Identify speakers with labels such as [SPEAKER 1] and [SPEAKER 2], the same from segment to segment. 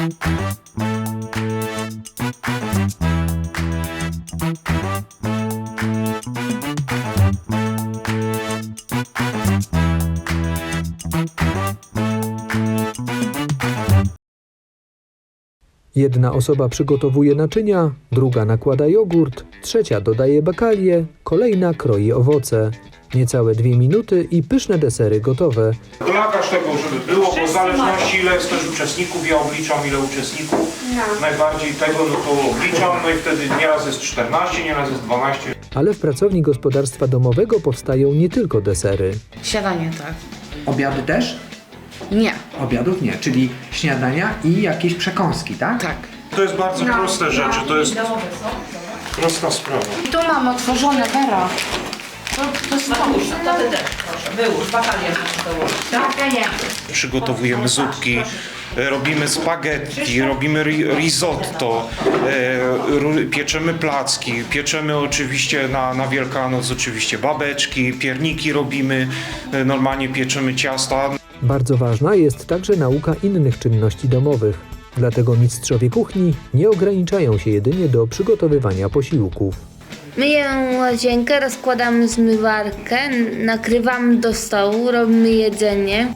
[SPEAKER 1] Jedna osoba przygotowuje naczynia, druga nakłada jogurt, trzecia dodaje bakalię, kolejna kroi owoce. Niecałe 2 minuty i pyszne desery gotowe.
[SPEAKER 2] Dla każdego, żeby było, bo w zależności ile jest też uczestników, ja obliczam ile uczestników, najbardziej tego, no to obliczam, no i wtedy nieraz jest 14, nieraz jest 12.
[SPEAKER 1] Ale w pracowni gospodarstwa domowego powstają nie tylko desery.
[SPEAKER 3] Śniadanie, tak.
[SPEAKER 4] Obiady też?
[SPEAKER 3] Nie.
[SPEAKER 4] Obiadów nie, czyli śniadania i jakieś przekąski, tak?
[SPEAKER 3] Tak.
[SPEAKER 2] To jest bardzo proste rzeczy, to jest prosta sprawa.
[SPEAKER 3] I tu mam otworzone Wera. To jest
[SPEAKER 5] To ty też, proszę, wyłóż, bakalię wyłóż, tak?
[SPEAKER 2] Przygotowujemy zupki, robimy spaghetti, robimy risotto, pieczemy placki, pieczemy oczywiście na Wielkanoc oczywiście babeczki, pierniki robimy, normalnie pieczemy ciasta.
[SPEAKER 1] Bardzo ważna jest także nauka innych czynności domowych. Dlatego mistrzowie kuchni nie ograniczają się jedynie do przygotowywania posiłków.
[SPEAKER 6] Myję łazienkę, rozkładam zmywarkę, nakrywam do stołu, robimy jedzenie.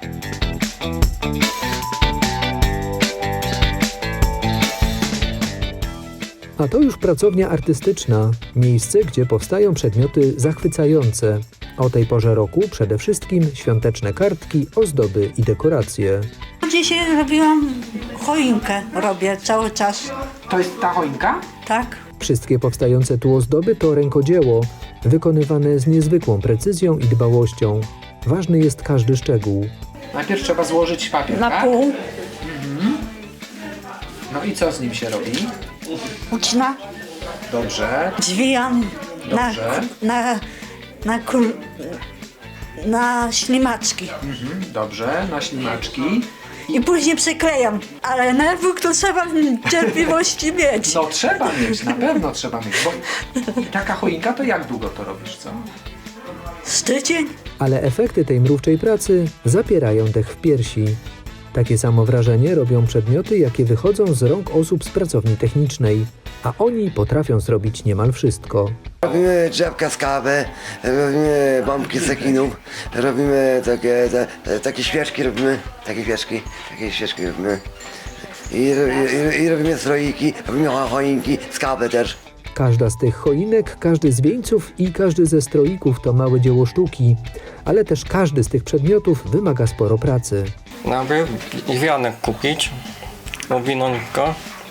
[SPEAKER 1] A to już pracownia artystyczna, miejsce, gdzie powstają przedmioty zachwycające. O tej porze roku przede wszystkim świąteczne kartki, ozdoby i dekoracje.
[SPEAKER 7] Dzisiaj robiłam choinkę, robię cały czas,
[SPEAKER 4] To jest ta choinka?
[SPEAKER 7] tak?
[SPEAKER 1] Wszystkie powstające tu ozdoby to rękodzieło, wykonywane z niezwykłą precyzją i dbałością. Ważny jest każdy szczegół.
[SPEAKER 4] Najpierw trzeba złożyć papier,
[SPEAKER 7] Na
[SPEAKER 4] tak?
[SPEAKER 7] pół,
[SPEAKER 4] No i co z nim się robi?
[SPEAKER 7] ucina,
[SPEAKER 4] Dobrze,
[SPEAKER 7] zwijam
[SPEAKER 4] Dobrze.
[SPEAKER 7] na ślimaczki
[SPEAKER 4] dobrze, na ślimaczki.
[SPEAKER 7] i później przyklejam, ale nerwów to trzeba cierpliwości mieć.
[SPEAKER 4] No trzeba mieć, na pewno trzeba mieć. Bo taka choinka to jak długo to robisz, co?
[SPEAKER 7] Z tydzień.
[SPEAKER 1] Ale efekty tej mrówczej pracy zapierają dech w piersi. Takie samo wrażenie robią przedmioty, jakie wychodzą z rąk osób z pracowni technicznej, a oni potrafią zrobić niemal wszystko.
[SPEAKER 8] Robimy drzewka z kawy, robimy bombki z sekinów, robimy takie świeczki, takie świeczki robimy. I robimy stroiki, robimy choinki z kawy też.
[SPEAKER 1] Każda z tych choinek, każdy z wieńców i każdy ze stroików to małe dzieło sztuki, ale też każdy z tych przedmiotów wymaga sporo pracy.
[SPEAKER 9] Najpierw wianek kupić, owinąć go,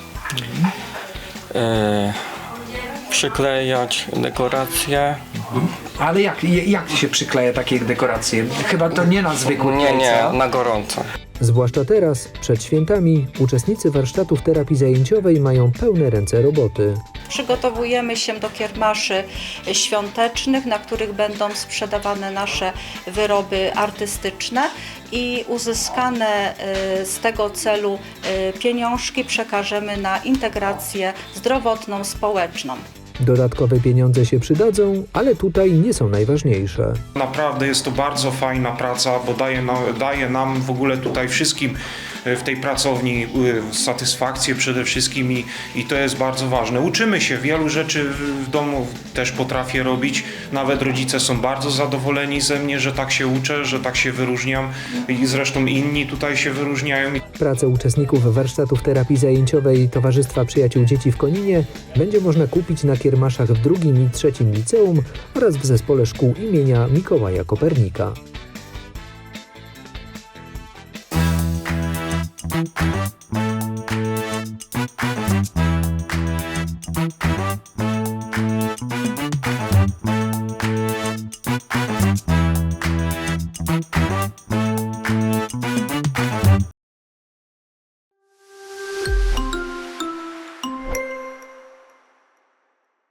[SPEAKER 9] przyklejać dekoracje.
[SPEAKER 4] Ale jak się przykleja takie dekoracje? Chyba to nie na zwykłe
[SPEAKER 9] Nie,
[SPEAKER 4] jajca.
[SPEAKER 9] na gorąco.
[SPEAKER 1] Zwłaszcza teraz, przed świętami, uczestnicy warsztatów terapii zajęciowej mają pełne ręce roboty.
[SPEAKER 10] Przygotowujemy się do kiermaszy świątecznych, na których będą sprzedawane nasze wyroby artystyczne i uzyskane z tego celu pieniążki przekażemy na integrację zdrowotną, społeczną.
[SPEAKER 1] Dodatkowe pieniądze się przydadzą, ale tutaj nie są najważniejsze.
[SPEAKER 2] Naprawdę jest to bardzo fajna praca, bo daje nam w ogóle tutaj wszystkim w tej pracowni satysfakcję przede wszystkim i to jest bardzo ważne. Uczymy się, wielu rzeczy w domu też potrafię robić. Nawet rodzice są bardzo zadowoleni ze mnie, że tak się uczę, że tak się wyróżniam i zresztą inni tutaj się wyróżniają.
[SPEAKER 1] Pracę uczestników warsztatów terapii zajęciowej Towarzystwa Przyjaciół Dzieci w Koninie będzie można kupić na kiermaszach w 2. i 3. liceum oraz w zespole szkół imienia Mikołaja Kopernika.